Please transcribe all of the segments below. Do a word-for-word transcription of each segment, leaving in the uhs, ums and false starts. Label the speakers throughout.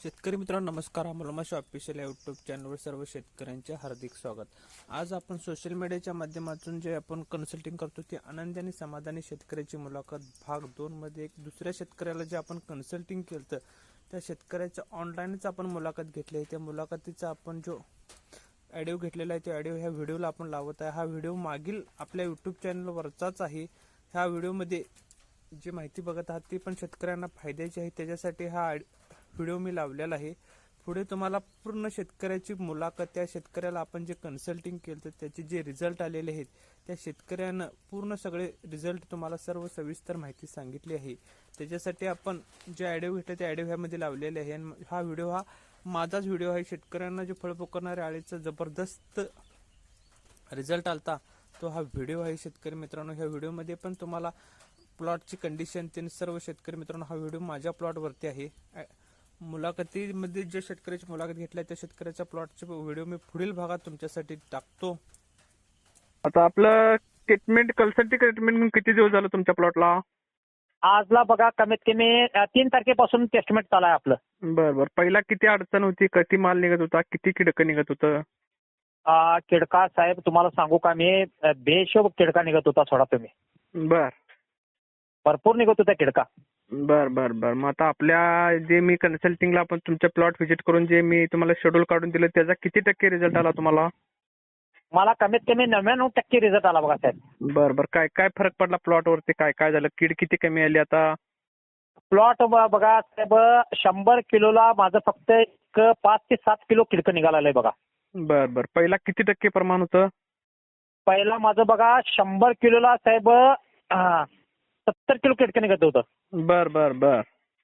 Speaker 1: शेतकरी मित्रांनो नमस्कार. अमोलमाशी ऑफिशियल या यूट्यूब चॅनलवर सर्व शेतकऱ्यांचे हार्दिक स्वागत. आज आपण सोशल मीडियाच्या माध्यमातून जे आपण कन्सल्टिंग करतो ती आनंदी आणि समाधानी शेतकऱ्याची मुलाखत भाग दोन मध्ये एक दुसऱ्या शेतकऱ्याला जे आपण कन्सल्टिंग केलं त्या शेतकऱ्याच्या ऑनलाईनच आपण मुलाखत घेतली आहे. त्या मुलाखतीचा आपण जो ऑडिओ घेतलेला आहे त्या ऑडिओ ह्या व्हिडिओला आपण लावत आहे. हा व्हिडिओ मागील आपल्या यूट्यूब चॅनलवरचाच आहे. ह्या व्हिडिओमध्ये जी माहिती बघत आहात ती पण शेतकऱ्यांना फायद्याची आहे, त्याच्यासाठी हा व्हिडिओ मी लावलेला आहे. पुढे तुम्हाला पूर्ण शेतकऱ्याची मुलाखत, त्या शेतकऱ्याला आपण जे कन्सल्टिंग केलं तर त्याचे जे रिझल्ट आलेले आहेत त्या शेतकऱ्यानं पूर्ण सगळे रिझल्ट तुम्हाला सर्व सविस्तर माहिती सांगितली आहे. त्याच्यासाठी आपण जे ऑडिओ घेतले ते ऑडिओ ह्यामध्ये लावलेले आहे. हा व्हिडिओ हा माझाच व्हिडिओ आहे. शेतकऱ्यांना जे फळ पोकरणाऱ्या आळीचा जबरदस्त रिझल्ट आलता तो हा व्हिडिओ आहे. शेतकरी मित्रांनो, ह्या व्हिडिओमध्ये पण तुम्हाला प्लॉटची कंडिशन ते सर्व शेतकरी मित्रांनो हा व्हिडिओ माझ्या प्लॉटवरती आहे. मुलाखतीमध्ये जे शेतकऱ्याची मुलाखत घेतली त्या शेतकऱ्याच्या प्लॉटचे व्हिडिओ मी पुढील भागात तुमच्यासाठी टाकतो.
Speaker 2: आता आपलं ट्रीटमेंट कन्सल्टिंग ट्रीटमेंट किती दिवस झालं तुमच्या प्लॉटला?
Speaker 3: आजला बघा कमीत कमी अ, तीन तारखेपासून टेस्टमेंट चालू आहे आपलं.
Speaker 2: बर बर. पहिला किती अडचण होती, किती माल निघत होता, किती किडकं निघत होतं?
Speaker 3: अ, किडका साहेब तुम्हाला सांगू का मी अ, बेशोब किडका निघत होता. सोडा तुम्ही,
Speaker 2: बर
Speaker 3: भरपूर निघत होता किडका.
Speaker 2: बर बर बर. मग आता आपल्या जे मी कन्सल्टिंगला आपण तुमच्या प्लॉट व्हिजिट करून जे मी तुम्हाला शेड्यूल काढून दिलं त्याचा किती टक्के रिझल्ट आला तुम्हाला?
Speaker 3: मला कमीत कमी नव्याण्णव टक्के रिझल्ट आला बघा साहेब.
Speaker 2: बर बर. काय काय फरक पडला प्लॉटवरती, काय काय झालं, कीड किती कमी आली आता?
Speaker 3: प्लॉट बघा साहेब, शंभर किलोला माझं फक्त एक पाच ते सात किलो किडकं निघालेलं आहे बघा.
Speaker 2: बर बर. पहिला किती टक्के प्रमाण होतं?
Speaker 3: पहिला माझं बघा शंभर किलोला साहेब अ, सत्तर किलो किडकं निघत होतं.
Speaker 2: बर बर बर.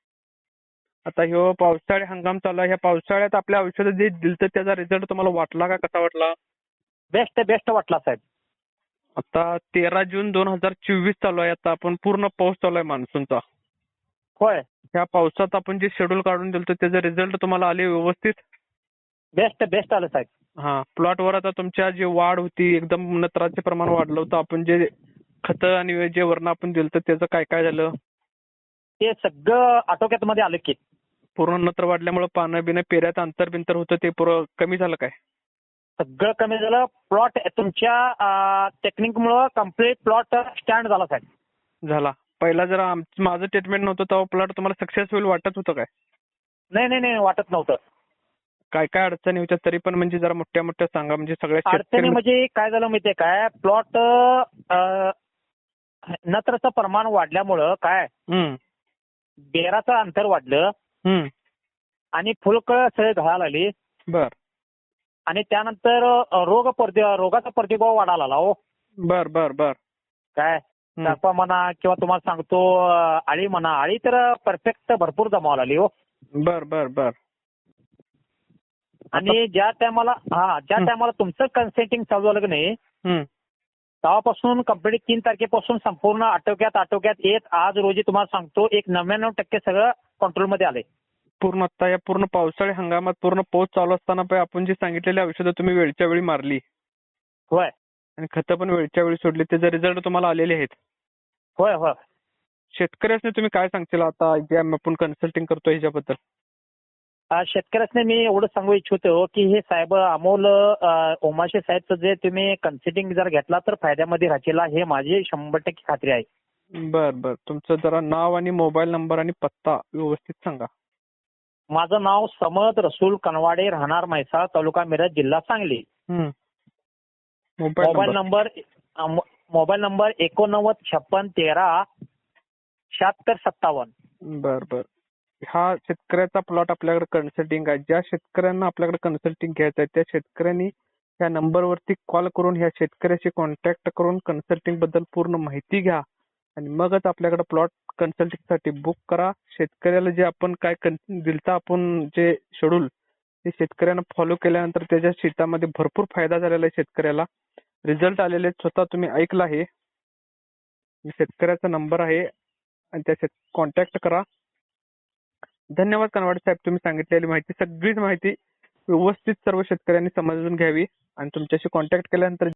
Speaker 2: आता ह्यो पावसाळी हंगाम चालू आहे. ह्या पावसाळ्यात आपल्या औषध जे दिलं त्याचा रिझल्ट तुम्हाला वाटला का, कसा वाटला?
Speaker 3: बेस्ट बेस्ट वाटला साहेब.
Speaker 2: आता तेरा जून दोन हजार चोवीस चालू आहे. आता आपण पूर्ण पाऊस चालू आहे मान्सूनचा.
Speaker 3: होय,
Speaker 2: ह्या पावसात आपण जे शेड्यूल काढून दिलं त्याचे रिझल्ट तुम्हाला आले व्यवस्थित?
Speaker 3: बेस्ट बेस्ट आलं साहेब.
Speaker 2: हा. प्लॉटवर आता तुमच्या जी वाढ होती एकदम नत्राचे प्रमाण वाढलं होतं. आपण जे खतं आणि जे वरण आपण दिलं त्याचं काय काय झालं?
Speaker 3: ते सगळं आटोक्यात मध्ये आलं की.
Speaker 2: पूर्ण नत्र वाढल्यामुळे पानं बिनं पेऱ्यात अंतर बिंतर होतं ते पुरं कमी झालं काय?
Speaker 3: सगळं कमी झालं. प्लॉट तुमच्या टेक्निकमुळं कम्प्लीट प्लॉट स्टँड झाला साहेब.
Speaker 2: झाला. पहिला जरा आमचं माझं ट्रीटमेंट नव्हतं तेव्हा प्लॉट तुम्हाला सक्सेसफुल वाटत होतं काय?
Speaker 3: नाही नाही नाही वाटत नव्हतं.
Speaker 2: काय काय अडचणी होत्या तरी पण, म्हणजे जरा मोठ्या मोठ्या सांगा, म्हणजे सगळ्या
Speaker 3: अडचणी
Speaker 2: शेतकरी.
Speaker 3: म्हणजे काय झालं माहितीये काय, प्लॉट नत्रचं प्रमाण वाढल्यामुळं काय
Speaker 2: हम्म
Speaker 3: बेराचं अंतर वाढलं
Speaker 2: हम्म.
Speaker 3: आणि फुलकळ सगळे घालायला लागली
Speaker 2: बर
Speaker 3: आणि त्यानंतर अ, रोग प्रति रोगाचा प्रतिभाव वाढायला लागला. हो
Speaker 2: बर बर बर.
Speaker 3: काय
Speaker 2: हम्म.
Speaker 3: तापा म्हणा किंवा तुम्हाला सांगतो अ, आळी म्हणा, आळी तर परफेक्ट भरपूर जमावला लागली. हो
Speaker 2: बर बर बर.
Speaker 3: आणि ज्या टायमाला हा ज्या
Speaker 2: हं.
Speaker 3: टायमाला तुमचं कन्सेंटिंग चालू झालं की नाही
Speaker 2: हम्म
Speaker 3: तेव्हापासून कंप्लीट तीन तारखेपासून संपूर्ण आटोक्यात आटोक्यात येत आज रोजी तुम्हाला सांगतो एक नव्याण्णव टक्के सगळं कंट्रोलमध्ये आले.
Speaker 2: पूर्ण आता या पूर्ण पावसाळी हंगामात पूर्ण पाऊस चालू असताना पण आपण जी सांगितलेली औषधं तुम्ही वेळच्या वेळी मारली
Speaker 3: होय
Speaker 2: आणि खतं पण वेळच्या वेळी सोडली, त्याचे रिझल्ट तुम्हाला आलेले आहेत.
Speaker 3: होय होय.
Speaker 2: शेतकऱ्यांनी तुम्ही काय सांगशील आता जे आपण कन्सल्टिंग करतो ह्याच्याबद्दल?
Speaker 3: अ, शेतकऱ्यांना मी एवढं सांगू इच्छितो की हे साहेब अमोल अ, ओमाशे साहेबचं जे तुम्ही कन्सिडिंग जर घेतला तर फायद्यामध्ये राहतील हे माझी शंभर टक्के खात्री आहे.
Speaker 2: बर बर. तुमचं जरा नाव आणि मोबाईल नंबर आणि पत्ता व्यवस्थित सांगा.
Speaker 3: माझं नाव समद रसूल कनवाडे, राहणार म्हैसाळ, तालुका मिरज, जिल्हा सांगली.
Speaker 2: हम्म.
Speaker 3: मोबाईल नंबर अ, मो- मोबाईल नंबर एकोणनव्वद छप्पन तेरा शहात्तर सत्तावन्न.
Speaker 2: बर बर. हा शेतकऱ्याचा प्लॉट आपल्याकडे कन्सल्टिंग आहे. ज्या शेतकऱ्यांना आपल्याकडे कन्सल्टिंग घ्यायचं आहे त्या शेतकऱ्यांनी या नंबरवरती कॉल करून ह्या शेतकऱ्याशी कॉन्टॅक्ट करून कन्सल्टिंग बद्दल पूर्ण माहिती घ्या आणि मगच आपल्याकडे प्लॉट कन्सल्टिंग साठी बुक करा. शेतकऱ्याला जे आपण काय दिलतं आपण जे शेड्यूल ते शेतकऱ्यांना फॉलो केल्यानंतर त्याच्या शेतामध्ये भरपूर फायदा झालेला आहे. शेतकऱ्याला रिझल्ट आलेले स्वतः तुम्ही ऐकलं आहे. शेतकऱ्याचा नंबर आहे आणि त्या कॉन्टॅक्ट करा. धन्यवाद कनवाडे साहेब, तुम्ही सांगितलेली माहिती सगळीच माहिती व्यवस्थित सर्व शेतकऱ्यांनी समजून घ्यावी आणि तुमच्याशी कॉन्टॅक्ट केल्यानंतर